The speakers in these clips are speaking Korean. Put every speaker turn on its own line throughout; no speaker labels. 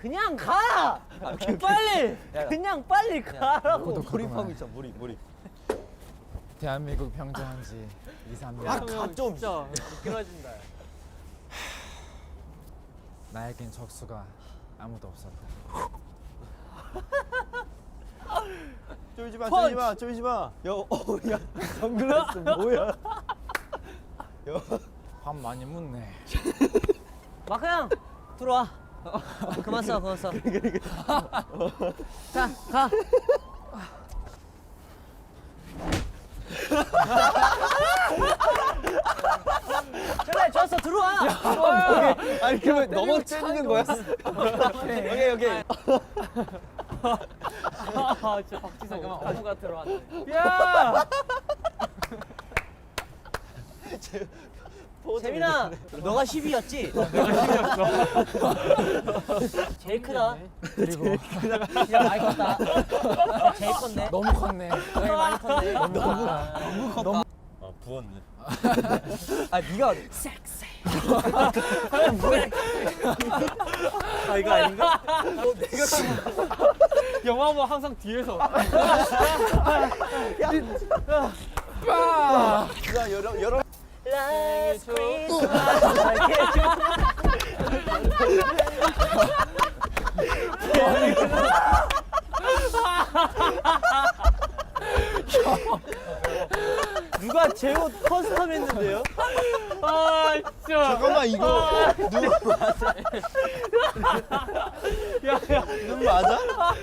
그냥 가. 빨리. 그냥 빨리 가라고.
몰입하고 있어. 몰입.
대한민국 평정한 지 2, 3년.
좀.
진짜 미끄러진다.
나에겐 적수가 아무도 없었다.
쫄지 마. 야, 선글라스 뭐야?
밥 많이 묻네.
마크 형 들어와. 그만 써. 자 가. 그래 좋았어 들어와.
아니 그러면 넘어 째는 거야? 오케이.
아 진짜 박지성 어부가 들어왔네.
야!
재민아 너가 10위였지? 내가 10위였어. 제일 크다.
그리고
진짜 많이 컸다. 제일 컸네.
너무 컸네.
제일 많이 컸네.
아 부었네. 아 네가
섹시.
아 이거 아닌가?
영화 보면 항상 뒤에서.
빠!
야 여러
Last Christmas. 누가 제 옷 커스텀 했는데요? 아 진짜.
잠깐만 이거 눈 맞아? 눈 맞아?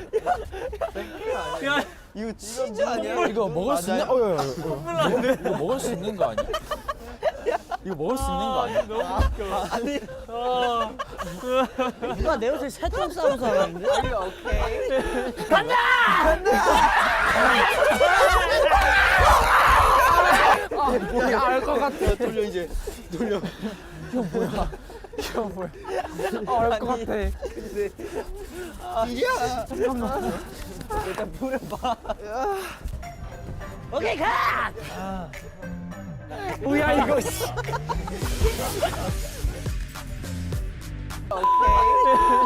야,
이거 치즈 아니야?
이거 먹을 수 있는? 이거 먹을 수 있는 거 아니야? 이거 먹을 수 있는 거 아니야?
너무 웃겨. 아니. 누가 내 옷을 새똥 싸면서 하는데? 오케이. 간다!
알 것 같아.
돌려 이제 돌려.
이거 뭐야? 알 것 같아.
야
일단 물을 봐. 오케이 가!
뭐야 이거?
오케이.